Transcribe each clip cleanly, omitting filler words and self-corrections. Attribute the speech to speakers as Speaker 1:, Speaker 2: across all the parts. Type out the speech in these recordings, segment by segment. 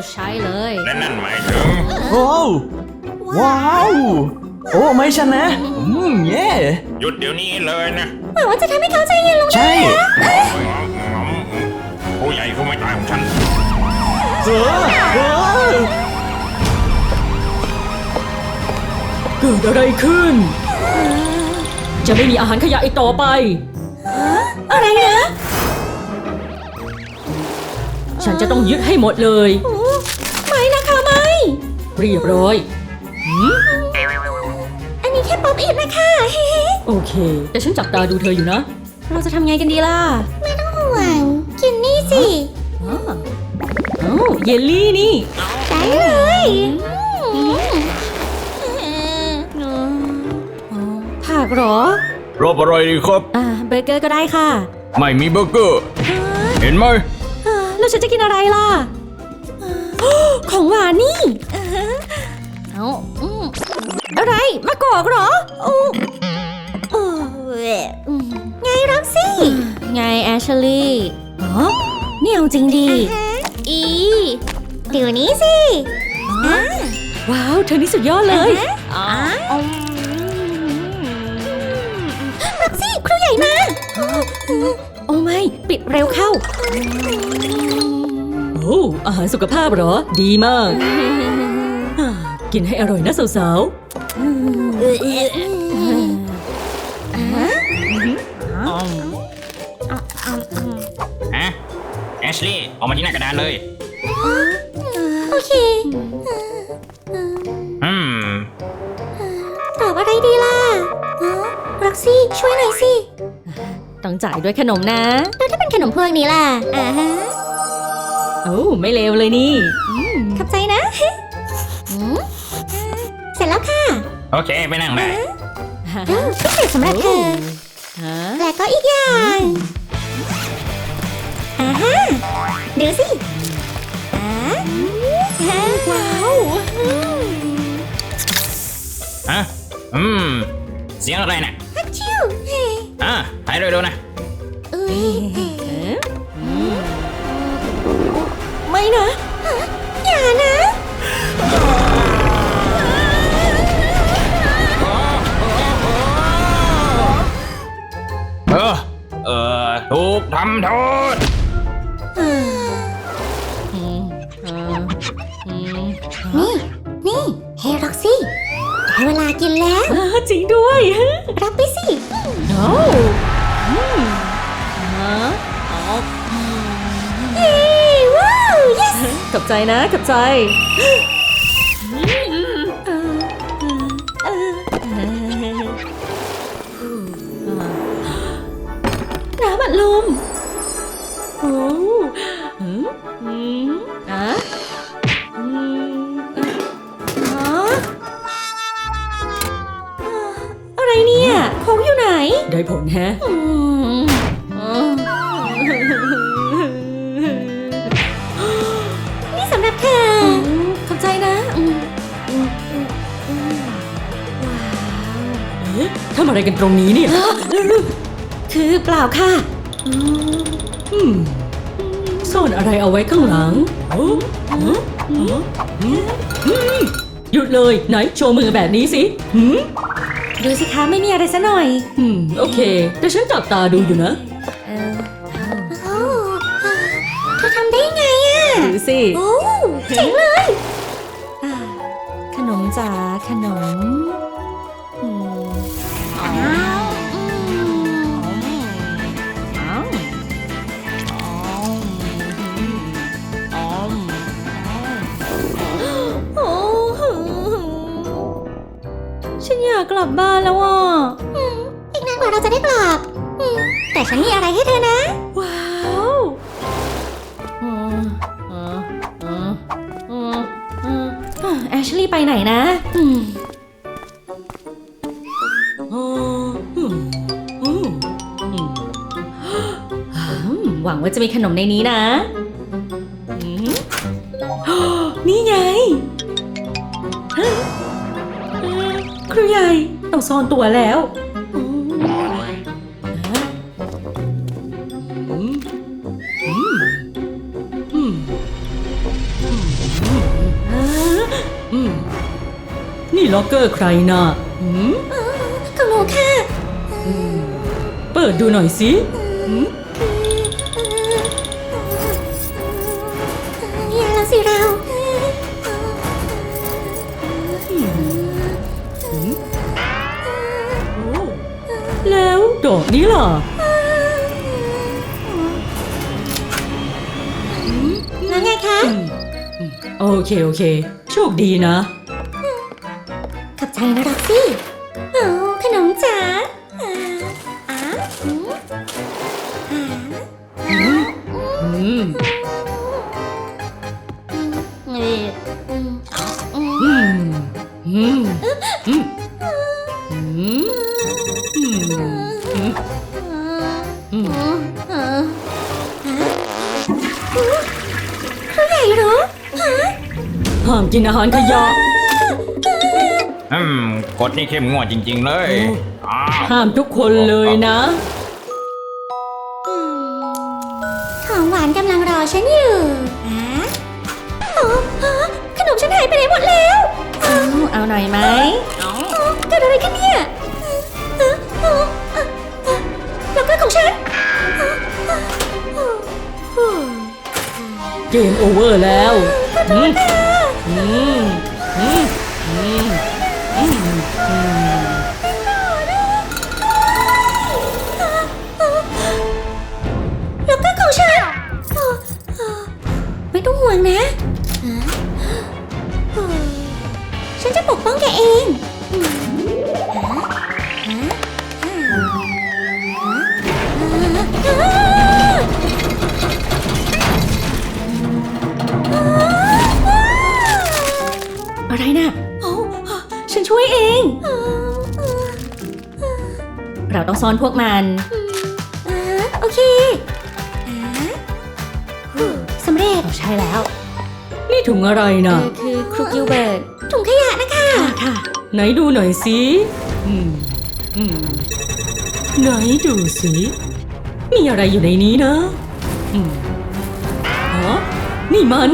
Speaker 1: ใช้เลย
Speaker 2: และนั่นหมายถึง
Speaker 3: โอ้ว้าวโอ้ไม่ฉันนะเย่
Speaker 2: หยุดเดี๋ยวนี้เลยนะ
Speaker 1: หวังว่าจะทำให้เขาใจเย็นลง
Speaker 3: ใช่
Speaker 2: ผู้ใหญ่คือไม่ตายของฉัน
Speaker 3: เออ
Speaker 4: เกิดอะไรขึ้น จะไม่มีอาหารขยะอีกต่อไป
Speaker 1: อะไรนะ
Speaker 4: ฉันจะต้องยึดให้หมดเลย
Speaker 1: ไม่นะคะไม่
Speaker 4: เรียบร้อย
Speaker 1: อันนี้แค่ป๊อปอิดนะคะ
Speaker 4: โอเค แต่ฉันจับตาดูเธออยู่นะ
Speaker 1: เราจะทำไงกันดีล่ะ ไม่ต้องห่วง กินนี่สิ
Speaker 4: อ้าวเยลลี่นี่
Speaker 1: ได้เลยผักเหรอ
Speaker 3: รอบอะไรดีครับ
Speaker 1: เบอร์เกอร์ก็ได้ค่ะ
Speaker 3: ไม่มีเบอร์เกอร์ เห็นไหม
Speaker 1: แล้วฉันจะกินอะไรล่ะ ของหวานนี่ เอาอะไรมะกอกเหรอไงร็อกซี่ ไงแอชลี่นี่เอาจริงดีเดี๋ยวนี้สิ
Speaker 4: ว้าว เธอนี่สุดยอดเลย
Speaker 1: ร็อกซี่ครูใหญ่มาโอ้ไม่ปิดเร็วเข้า
Speaker 4: โอ้อาหารสุขภาพเหรอ ดีมาก กินให้อร่อยนะสาว
Speaker 2: ฮะ แอชลี่ออกมาที่หน้ากระดานเลย
Speaker 1: โอเค
Speaker 2: อืม
Speaker 1: ตอบอะไรดีล่ะร็อกซี่ช่วยหน่อยสิ
Speaker 4: ๆ ต้องจ่ายด้วยขนมนะ
Speaker 1: แล้วถ้าเป็นขนมพวกนี้ล่ะ
Speaker 4: โอ้ไม่เลวเลยนี่
Speaker 1: ขอบใจนะ เสร็จแล้วค่ะ
Speaker 2: โอเค ไปนั่งได้
Speaker 1: พิเศษสำหรับเธอ
Speaker 4: ฮะ
Speaker 1: และก็อีกอย่างดูสิว้าว
Speaker 2: ฮะ เสียงอะไรน่ะ
Speaker 1: ฮัชชิว
Speaker 2: ถ่ายเร็วๆนะ
Speaker 1: ไม่นะ อย่านะ
Speaker 2: ถูกทำโทษ
Speaker 1: นี่เฮ้ร็อกซี่ได้เวลากินแล้ว
Speaker 4: จริงด้วย
Speaker 1: รับไปสิ
Speaker 4: โอ้ฮะ
Speaker 1: เย้ว้าว yes
Speaker 4: ขอบใจนะขอบใจ
Speaker 1: น้ำอัดลม
Speaker 4: โอ้
Speaker 1: อะไรเนี่ยโค้งอยู่ไหน
Speaker 4: ได้ผลแฮะ
Speaker 1: นี่สำหรับเธอ
Speaker 4: ขอบใจนะทำอะไรกันตรงนี้เนี่ย
Speaker 1: คือเปล่าค่ะ
Speaker 4: ซ่อนอะไรเอาไว้ข้างหลังหยุดเลยไหนโชว์มือแบบนี้สิ
Speaker 1: ดูสิคะไม่มีอะไรซะหน่อย
Speaker 4: โอเค แต่ฉันจับตาดูอยู่นะ
Speaker 1: เธอทำได้ไงอ่ะ
Speaker 4: ดูสิ
Speaker 1: โอ้เจ๋งเลยขนมจ๋าขนมฉันอยากกลับบ้านแล้วอ่ะอีกนานกว่าเราจะได้กลับแต่ฉันมีอะไรให้เธอนะ
Speaker 4: ว้าว
Speaker 1: แอชลี่ไปไหนนะหวังว่าจะมีขนมในนี้นะนี่ไงครูใหญ่ต้องซ่อนตัวแล้ว
Speaker 4: นี่ล็อกเกอร์ใครน่ะ
Speaker 1: ของหนูค่ะ
Speaker 4: เปิดดูหน่อยสิหืม
Speaker 1: อย่าละสิเรา
Speaker 4: แล้วดอกนี้ล่ะ
Speaker 1: แล้วไงคะ
Speaker 4: โอเค โชคดีนะ
Speaker 1: ขอบใจนะร็อกซี่โอ้ขนมจ๋าผู้ใหญ่รู้
Speaker 4: ห้ามกินอาหารขยะ
Speaker 2: กฎนี่เข้มงวดจริง ๆ เลยอ้าว
Speaker 4: ห้ามทุกคนเลยนะ
Speaker 1: ของหวานกำลังรอฉันอยู่ขนมฉันหายไปไหนหมดแล้วเอาหน่อยไหมเกิดอะไรขึ้นเนี่ยแล้วก็ของฉัน
Speaker 4: เกมโอเวอร์แล้ว
Speaker 1: แล้วก็ของฉันไม่ต้องห่วงนะฉันจะปกป้องแกเองอะไรนะฉันช่วยเองเราต้องซ่อนพวกมันโอเคสำเร็จใช่แล้ว
Speaker 4: นี่ถุงอะไรนะ
Speaker 1: คือครูกิลเบิร์ตถุงขยะนะคะค่ะ
Speaker 4: ไหนดูหน่อยสิไหนดูสิ มีอะไรอยู่ในนี้นะฮะนี่มัน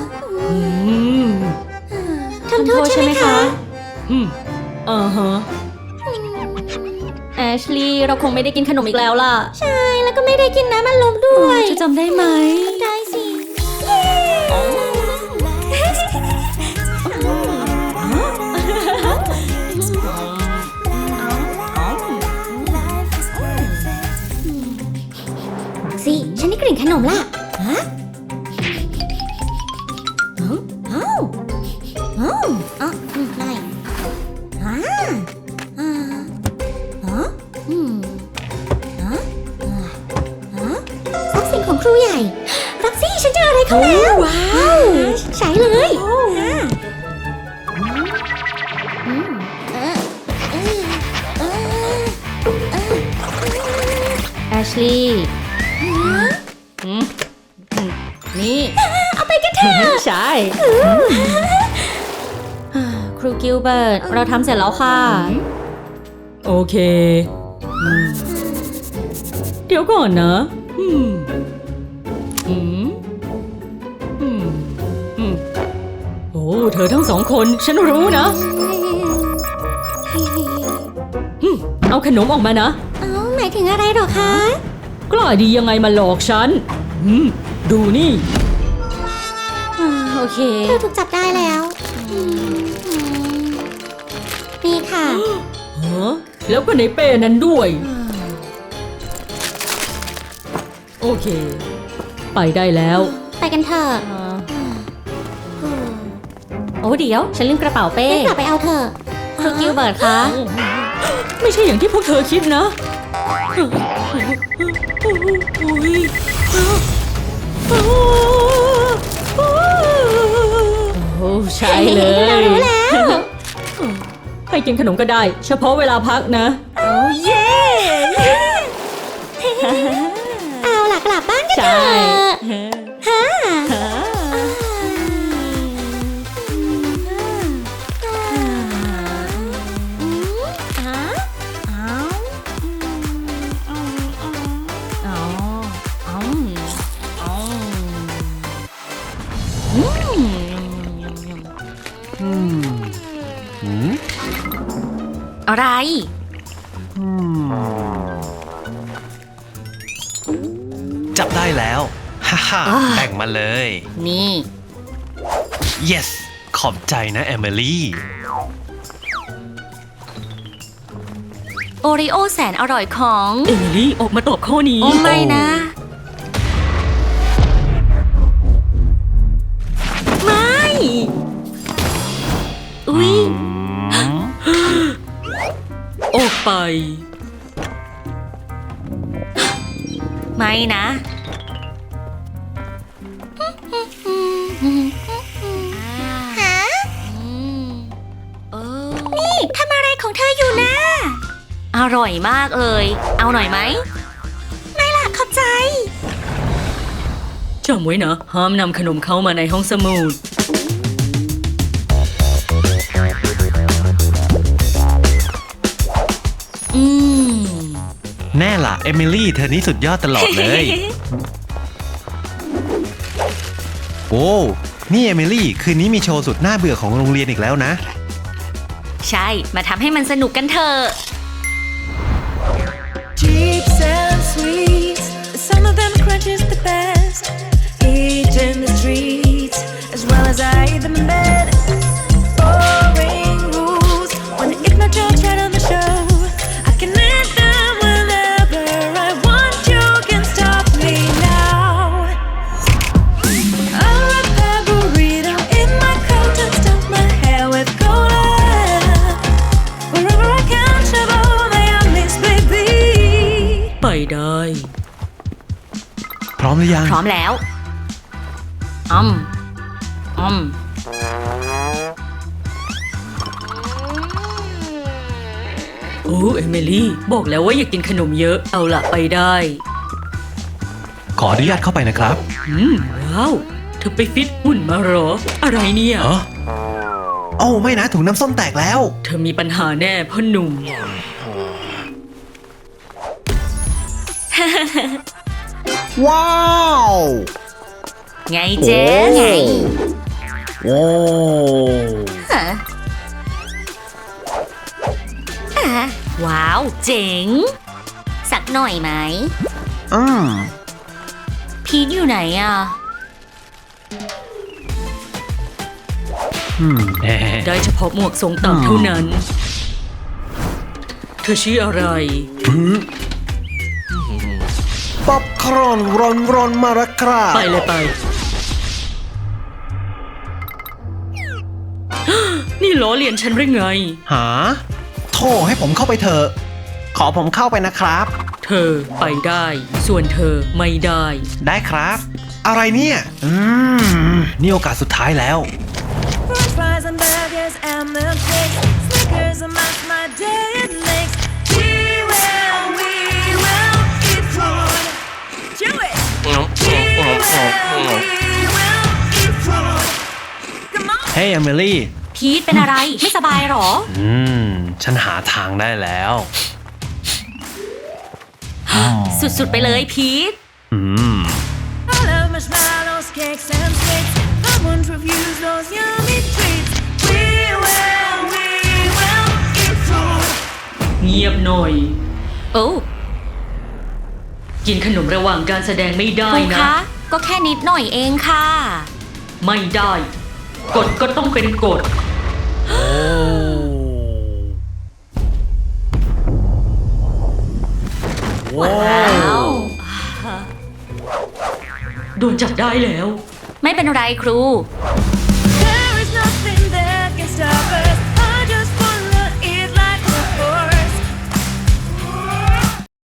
Speaker 1: ทำโทษใช่ไหมคะ
Speaker 4: ฮะ
Speaker 1: แอชลีย์เราคงไม่ได้กินขนมอีกแล้วล่ะใช่แล้วก็ไม่ได้กินน้ำมันลมด้วยจะจำได้ไหมได้สิสิฉันได้กลิ่นขนมล่ะฮะได้ทรัพย์สินของครูใหญ่ร็อกซี่ฉันเจออะไรเขาแล้วว้าวใช้เลยแอชลีย์นี่เอาไปกันเถอะใช่ครูกิลเบิร์ตเราทำเสร็จแล้วค่ะ
Speaker 4: โอเคเดี๋ยวก่อนนะโอ้เธอทั้งสองคนฉันรู้นะเอาขนมออกมานะ
Speaker 1: หมายถึงอะไรหรอคะ
Speaker 4: กล้าดียังไงมาหลอกฉันดูนี่
Speaker 1: โอเคเธอถูกจับได้แล้วนี่ค่ะ
Speaker 4: แล้วก็ในเป้นั้นด้วยโอเคไปได้แล้ว
Speaker 1: ไปกันเถอะโอ้เดี๋ยวฉันลืมกระเป๋าเป้กลับไปเอาเถอะครูกิลเบิร์ตคะ
Speaker 4: ไม่ใช่อย่างที่พวกเธอคิดนะโอ้ใช่เลย
Speaker 1: รู้แล้ว
Speaker 4: ให้กินขนมก็ได้เฉพาะเวลาพักนะ
Speaker 1: โอ้เย่เอาล่ะกลับบ้านกันเถอะอะไร
Speaker 5: จับได้แล้ว ฮ่าฮ่า
Speaker 1: อ่า
Speaker 5: แบ่งมาเลย
Speaker 1: นี่
Speaker 5: yes ขอบใจนะเอมิลี่
Speaker 1: โอริโอแสนอร่อยของ
Speaker 4: เอมิลี่ออกมาตอบข้อนี้
Speaker 1: โอ้ไม่นะ ไม่ อุ๊ย
Speaker 4: ออกไป
Speaker 1: ไม่นะ ฮะนี่ทำอะไรของเธออยู่นะ อร่อยมากเลย เอาหน่อยไหม ไม่ล่ะ ขอบใจ
Speaker 4: จำไว้นะ ห้ามนำขนมเข้ามาในห้องสมุด
Speaker 1: อืม
Speaker 5: แน่ล่ะเอมิลี่เธอนี่สุดยอดตลอดเลย โอ้นี่เอมิลี่คืนนี้มีโชว์สุดน่าเบื่อของโรงเรียนอีกแล้วนะ
Speaker 1: ใช่ มาทำให้มันสนุกกันเถอะ
Speaker 6: Chips and sweets, some of them crunches the best. Eat in the streets, as well as I eat them in bed. Boring rules, when the ignorant chat on the show. I can end them whenever I want. You can stop me now. I'll wrap that burrito in my coat and stuff my hair with cola. Wherever I can travel, may I miss baby.
Speaker 4: ไปได้
Speaker 5: พร้อมหรือยัง
Speaker 1: พร้อมแล้วอืม
Speaker 4: โอ้เอมิลี่บอกแล้วว่าอย่ากินขนมเยอะ เอาละไปได้
Speaker 5: ขออนุญาตเข้าไปนะครับ
Speaker 4: ว้าว เธอไปฟิตหุ่นมาเหรอ อะไรเนี่ย
Speaker 5: เออโอ้ไม่นะถุงน้ำส้มแตกแล้ว
Speaker 4: เธอมีปัญหาแน่พ่อหนุ่ม
Speaker 3: ว้าว
Speaker 1: ไงเจ๊ไง
Speaker 3: โอ้
Speaker 1: ฮะอ่ะว้าว เจ๋ง สักหน่อยไหม พีทอยู่ไหนอ่ะ
Speaker 4: ได้เฉพาะหมวกทรงต่ำเท่านั้น เธอชื่ออะไร
Speaker 3: ป๊อปคอร์นร้อนมาแล้วครับ
Speaker 4: ไปเลยไป นี่ล้อเลียนฉันหรือไง
Speaker 5: หาโทรให้ผมเข้าไปเถอะ ขอผมเข้าไปนะครับ
Speaker 4: เธอไปได้ ส่วนเธอไม่ได้
Speaker 5: ได้ครับ อะไรเนี่ย นี่โอกาสสุดท้ายแล้ว
Speaker 6: French fries and burgers and milkshakes. Snickers and my day it makes. We will eat food. Chew it. We will eat food. Come on.
Speaker 5: เฮ้ยเอมิลี่
Speaker 1: พีทเป็นอะไร ไม่สบายเหรอ
Speaker 5: ฉันหาทางได้แล้ว
Speaker 1: สุดๆไปเลยพีท
Speaker 6: I love marshmallows, cakes and sweets. I won't refuse those yummy treats. We will eat food.
Speaker 4: เงียบหน่อย
Speaker 1: โอ้
Speaker 4: กินขนมระหว่างการแสดงไม่ได้
Speaker 1: ครู
Speaker 4: นะ
Speaker 1: คะ ก็แค่นิดหน่อยเองค่ะ
Speaker 4: ไม่ได้ กฎก็ต้องเป็นกฎ
Speaker 1: ว้าว
Speaker 4: โดนจับได้แล้ว
Speaker 1: ไม่เป็นไรครู